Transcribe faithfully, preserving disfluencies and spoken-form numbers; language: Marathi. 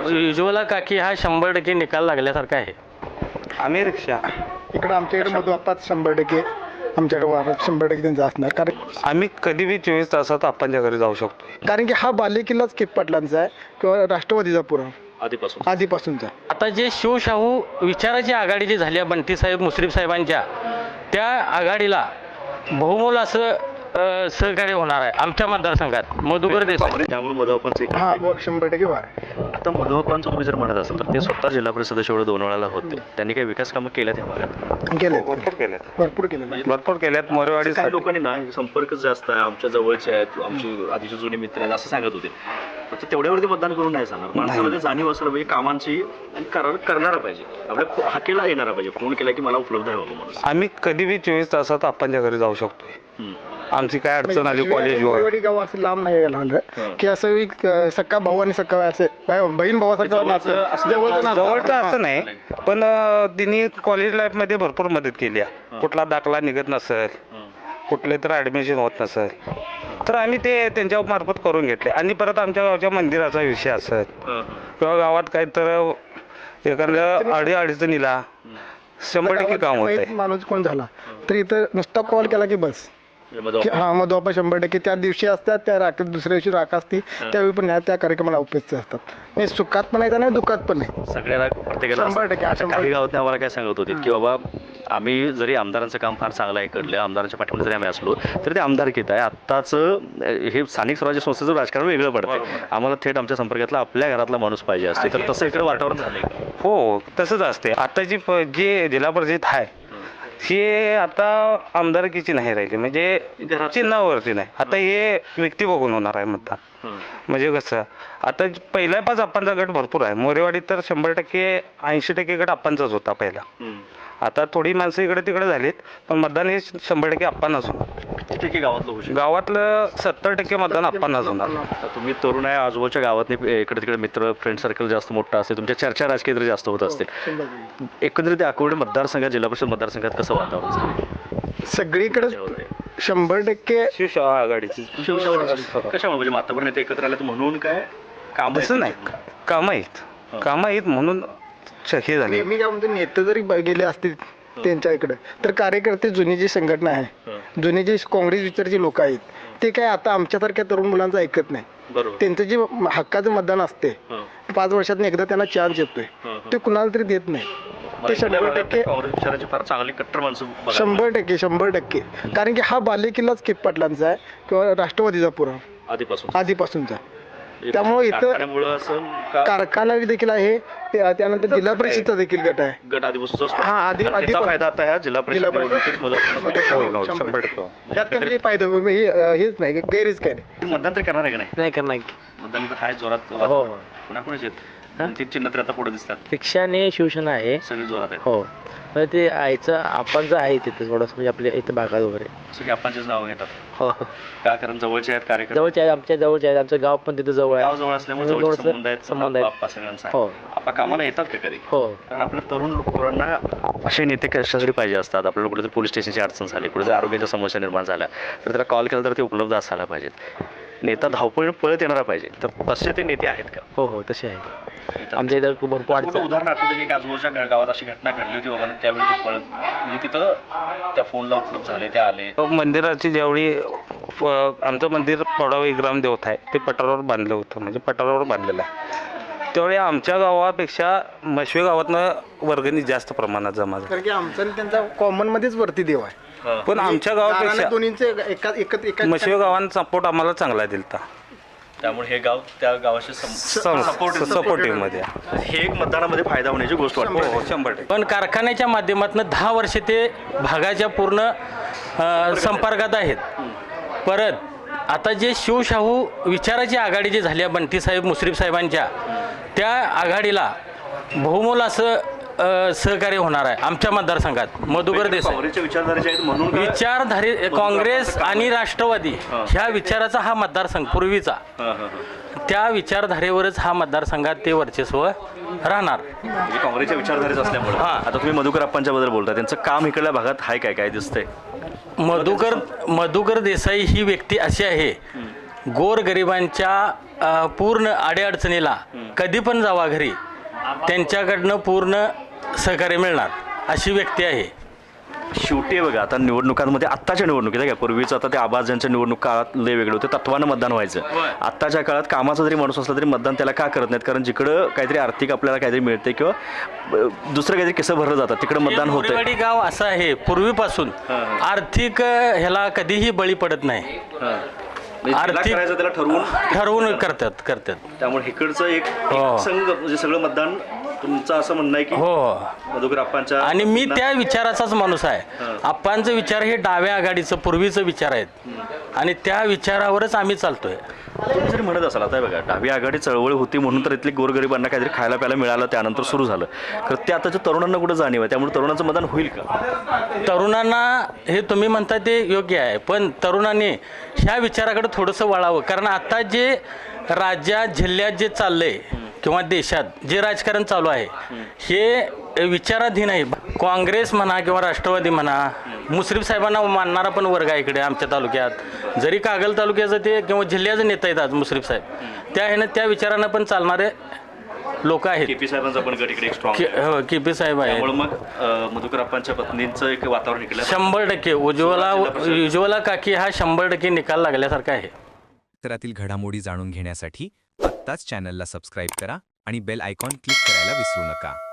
उज्ज्वला काकी हा शंभर टक्के निकाल लागल्यासारखा आहे. आम्ही रिक्षा इकडं आमच्याकडे मधू आपाच शंभर टक्के आमच्याकडे वारं शंभर टक्के त्यांचं असणार. कारण आम्ही कधी बी चोवीस तासात आपणच्या घरी जाऊ शकतो. कारण की हा बालेकिल्लाच कित पाटलांचा आहे किंवा राष्ट्रवादीचा पुरा आधीपासून आधीपासूनचा. आता जे शिवशाहू विचाराची आघाडी जी झाली आहे बंटीसाहेब मुश्रीफ साहेबांच्या, त्या आघाडीला बहुमोल असं अ, सहकार्य होणार आहे आमच्या मतदारसंघात. मधुकर देसाई त्यामुळे मधुआपांचं एक हा व- शंभर टक्के वार. आता मधुआपांचं तुम्ही जर म्हणत असाल तर ते स्वतः जिल्हा परिषद सदस्य एवढं दोन वेळाला होते. त्यांनी काही विकास कामं केल्या त्या भागात? केले भरपूर केल्यात भरपूर केले. भरपूर केल्यात मोरेवाडी काही लोकांनी ना संपर्क जास्त आहे, आमच्या जवळचे आहेत, आमची आधीचे जुने मित्र आहेत असं सांगत होते. फक्त तेवढ्यावरती मतदान करून नाही सांगणार. माणसामध्ये जाणीव असलं पाहिजे कामांची आणि करार करणारा पाहिजे. आपल्या हाकेला येणारा पाहिजे. फोन केला की मला उपलब्ध आहे बाबा म्हणून. आम्ही कधी बी चोवीस तासात आपणच्या घरी जाऊ शकतो. हम्म. आमची काय अडचण आली कॉलेजवर मोरेवाडी गाव असं लांब नाही गेला की असं एक अं, सक्का भाऊ आणि सक्का असे भाई- बहीण भावासारखं नातं असं जवळचं नातं. जवळचं असं नाही, पण अं, तिने कॉलेज लाईफ मध्ये भरपूर मदत केली आहे. कुठला दाखला निघत नसेल, कुठले तर ऍडमिशन होत नसेल तर आम्ही ते त्यांच्या मार्फत करून घेतले. आणि परत आमच्या गावच्या मंदिराचा विषय असेल किंवा गावात काही तर एखाद्या अडी अडचणीला शंभर टक्के काम होत गावात आहे. माणूस कोण झाला तर इथं नुसता कॉल केला की बस की हा मग आपण शंभर टक्के त्या दिवशी असतात, त्या राख दुसऱ्या दिवशी राख असते त्यावेळी पण ह्या त्या कार्यक्रमाला उपस्थित असतात. नाही सुखात पण आहे नाही दुःखात पण आहे. सगळ्याला प्रत्येकाला शंभर टक्के, आता शंभर काही गावात आम्हाला काय सांगत होते की बाबा आम्ही जरी आमदारांचं काम फार चांगलं आहे कडलं, आमदारांच्या पाठीमध्ये जरी आम्ही असलो तरी ते आमदारकीत आहे. आत्ताचं हे स्थानिक स्वराज्य संस्थेचं राजकारण वेगळं पडतं. आम्हाला थेट आमच्या संपर्कातला आपल्या घरातला माणूस पाहिजे असते. तर तसं इकडे वातावरण झालंय का? हो तसंच असते. आताची प- जे जिल्हा परिषद आहे हे आता आमदारकीची नाही राहिली, म्हणजे चिन्हावरती नाही. आता हे व्यक्ती बघून होणार आहे मतदान. म्हणजे कसं आता पहिला पाच आप्पांचा गट भरपूर आहे. मोरेवाडीत तर शंभर टक्के ऐंशी टक्के गट आप्पांचाच होता पहिला. आता थोडी माणसं इकडे तिकडे झालीत, पण मतदान हे शंभर टक्के आप्पांनाच होणार. किती टक्के गावातलं होऊ शकतं? गावातलं सत्तर टक्के मतदान आप्पांनाच होणार. आता तुम्ही तरुण आहे, आजूबाजूच्या गावात इकडे तिकडे मित्र फ्रेंड सर्कल जास्त मोठं असते, तुमच्या चर्चा राजकीय तरी जास्त होत असतील. एकंदरीत अकोले मतदारसंघात जिल्हा परिषद मतदारसंघात कसं वातावरण झालं? सगळीकडे शंभर टक्के शिवसेना आघाडीची कशामुळे म्हणजे मातापर्यंत नेते एकत्र आले म्हणून काय काम तसं नाही, कामं आहेत कामं आहेत म्हणून हे झाले. मी काय म्हणतो नेते जरी ब- गेले असतील त्यांच्या इकडे तर कार्यकर्ते जुनी जी संघटना आहे, जुने जे काँग्रेस विचारचे लोक आहेत ते काय आता आमच्यासारख्या तरुण मुलांचं ऐकत नाही. बरोबर. त्यांचं जे हक्काचं मतदान असते पाच वर्षातून एकदा त्यांना चान्स येतोय ते कुणाला तरी देत नाही. ते शंभर टक्के काँग्रेस विचाराची फार चांगली कट्टर माणसं बघायला शंभर टक्के शंभर टक्के कारण की हा बालेकिल्लाच कित पाटलांचा आहे किंवा राष्ट्रवादीचा पुरा आधीपासून आधीपासूनचा. त्यामुळे इथं कारखान्यामुळं असं का- कारखाना देखील आहे, ते- त्यानंतर जिल्हा परिषदचा देखील गट आहे. गट आधीपासून असतो. हा, आधी- आणि आधी- त्याचा फायदा आता ह्या जिल्हा परिषद जिल्हा परिषद- निवडणुकीत मला- शंभर टक्के त्यात काही फायदा हे- हेच नाही गैरच काय नाही. मतदान तर करणार आहे का नाही? नाही करणार. मतदान तर हाय जोरात. हो. कुणाकुणाच आहेत ती चिन्ह तर आता पुढे दिसतात रिक्षा आणि शिवसेना आहे. सगळे जोरात आहेत. हो म्हणजे ते आईचं आपण आहे तिथं थोडंसं म्हणजे आपल्या इथं भागात वगैरे. सगळे आपणचेच नाव घेतात हो का? कारण जवळचे आहेत कार्यक्रम, जवळचे आहे, आमच्या जवळचे आहे, आमचं गाव पण तिथं जवळ गाव आहे. जवळ असल्यामुळे जवळ जवळचे संबंध आहेत. संबंध आहेत. आप्पा सगळ्यांचा हो. आपा कामाला येतात का कधी? हो कारण आपल्या तरुण पोरांना असे नेते कशासाठी पाहिजे असतात. आपल्याला कुठेतरी पोलीस स्टेशनची अडचण झाली, कुठेतरी आरोग्याच्या समस्या निर्माण झाल्या तर त्याला कॉल केला तर ते उपलब्ध असायला पाहिजेत. नेता धावपळीने पळत येणारा पाहिजे. तर तसे ते नेते आहेत का? हो हो तसे आहे. आमच्या इथं भरपूर कुठं अडचण. उदाहरण आठवतं की एक आजूबाजूच्या गावात अशी घटना घडली होती बाबा त्यावेळी ते पळत म्हणजे तिथं त्या फोनला उपलब्ध झाले, ते आले. मंदिराची ज्यावेळी प- आमचं मंदिर पडाव ग्राम देवत आहे ते पठारावर बांधलं होतं, म्हणजे पठारावर बांधलेलं आहे. त्यावेळी आमच्या गावापेक्षा मशवे गावातनं वर्गणी जास्त प्रमाणात जमा झाली. कारण की आमचा आणि त्यांचा कॉमन मध्येच वरती देव आहे. पण आमच्या गावापेक्षा दोन्हींचे एका एकत एका मशवे गावांचा सपोर्ट आम्हाला चांगला दिलता. त्यामुळे हे गाव त्या गावाशी सपोर्टिव्ह मध्ये हे एक मतदानामध्ये फायदा होण्याची गोष्ट वाटते. हो शंभर टक्के. पण कारखान्याच्या माध्यमातून दहा वर्षे ते भागाच्या पूर्ण अ, संपर्कात आहेत. परत आता जे शिवशाहू विचाराची आघाडी जी झाली आहे बंटीसाहेब मुश्रीफ साहेबांच्या, त्या आघाडीला बहुमोल असं अ, सहकार्य होणार आहे आमच्या मतदारसंघात. मधुकर देसाई काँग्रेसच्या विचारधारेचे आहेत म्हणून काय? विचारधारे काँग्रेस आणि राष्ट्रवादी ह्या विचाराचा हा मतदारसंघ पूर्वीचा, हां, हां, हां. त्या विचारधारेवरच हा मतदारसंघात ते वर्चस्व राहणार. म्हणजे काँग्रेसच्या विचारधारेच असल्यामुळे. हां. आता तुम्ही मधुकर अप्पांच्या बद्दल बोलता, त्यांचं काम इकडल्या भागात हाय काय काय दिसतंय? मधुकर मधुकर देसाई ही व्यक्ती अशी आहे गोरगरिबांच्या अ, पूर्ण अडीअडचणीला कधी पण जावा घरी, त्यांच्याकडनं पूर्ण सहकार्य मिळणार अशी व्यक्ती आहे. शेवटी बघा आता निवडणुकांमध्ये आत्ताच्या निवडणुकीत आहे का, पूर्वीचं आता ते आवाज ज्यांच्या निवडणूक काळात लय वेगळे होते, तत्वानं मतदान व्हायचं. आत्ताच्या काळात कामाचा जरी माणूस असला तरी मतदान त्याला का करत नाहीत, कारण जिकडं काहीतरी आर्थिक आपल्याला काहीतरी मिळते किंवा अ, दुसरं काहीतरी किस्से भरलं जातात तिकडं मतदान होतं. मोरेवाडी गाव असं आहे पूर्वीपासून आर्थिक अ, ह्याला कधीही बळी पडत नाही. आर्थिक त्याला ठरवून ठरवून करतात करतात त्यामुळे इकडचं एक हो. एक संघ म्हणजे सगळं मतदान तुमचं असं म्हणणं आहे की हो. मधुकर आप्पांच्या आणि मी त्या विचाराचाच माणूस आहे. आप्पांचं विचार हे डाव्या आघाडीचं पूर्वीचं विचार आहेत आणि त्या विचारावरच आम्ही चालतोय. तुम्ही जरी म्हणत असाल आता बघा डावी आघाडी चळवळ होती म्हणून तर इथली गोरगरिबांना काहीतरी खायला प्यायला मिळालं त्यानंतर सुरू झालं, खरं ते आताच्या तरुणांना कुठं जाणीव आहे, त्यामुळे तरुणांचं मतदान होईल का? तरुणांना हे तुम्ही म्हणता ते योग्य आहे, पण तरुणांनी ह्या विचाराकडे थोडंसं वळावं. कारण आता जे राज्यात जिल्ह्यात जे चाललंय किंवा देशात जे राजकारण चालू आहे हे विचाराधीन आहे. काँग्रेस म्हणा किंवा राष्ट्रवादी म्हणा, मुश्रीफ साहेबांना मानणारा पण वर्ग आहे इकडे आमच्या तालुक्यात. जरी कागल तालुक्याचं ते किंवा जिल्ह्याचं नेता आहेत आज मुश्रीफ साहेब, त्या ह्यानं त्या विचारांना पण चालणारे लोक आहेत. केपी साहेबांचा पण गट इकडे एक स्ट्रॉंग के- हो, केपी साहेब आहे. त्यामुळे मग अं, मधुकर आप्पांच्या पत्नींचं एक वातावरण इकडे शंभर टक्के उज्ज्वला उज्ज्वला काकी हा शंभर टक्के निकाल लागल्यासारखा आहे. परिसरातील घडामोडी जाणून घेण्यासाठी आत्ताच चॅनलला सबस्क्राईब करा आणि बेल आयकॉन क्लिक करायला विसरू नका.